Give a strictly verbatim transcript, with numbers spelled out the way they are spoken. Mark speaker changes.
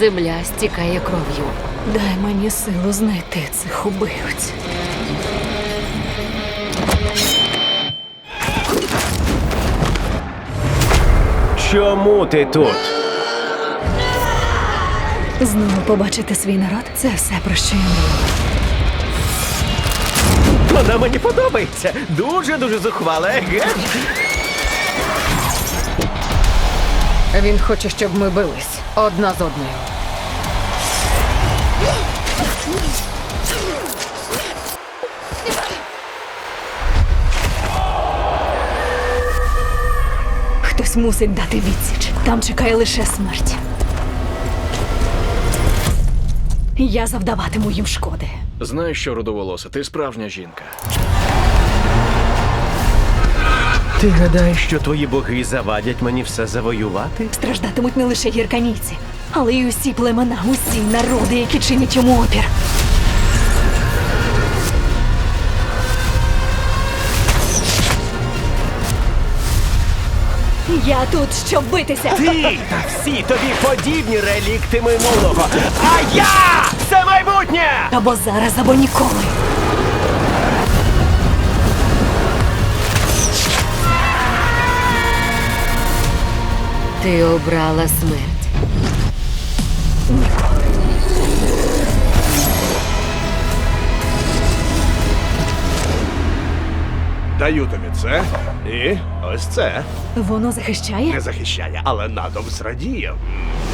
Speaker 1: Земля стікає кров'ю.
Speaker 2: Дай мені силу знайти цих убивць.
Speaker 3: Чому ти тут?
Speaker 2: Знову побачити свій народ – це все, про що я мріяла.
Speaker 3: Вона мені подобається. Дуже-дуже зухвала, еге?
Speaker 1: Він хоче, щоб ми бились одна з одною.
Speaker 2: Хтось мусить дати відсіч. Там чекає лише смерть. Я завдаватиму їм шкоди.
Speaker 4: Знаєш що, рудоволоса, ти справжня жінка.
Speaker 3: Ти гадаєш, що твої боги завадять мені все завоювати?
Speaker 2: Страждатимуть не лише гірканійці, але й усі племена, усі народи, які чинять йому опір. Я тут, щоб битися.
Speaker 3: Ти та всі тобі подібні релікти минулого. А я – це майбутнє!
Speaker 2: Або зараз, або ніколи.
Speaker 1: Ти обрала смерть.
Speaker 2: Ніколи.
Speaker 5: Даю тобі це і ось це.
Speaker 2: Воно захищає?
Speaker 5: Не захищає, але надом зрадіє.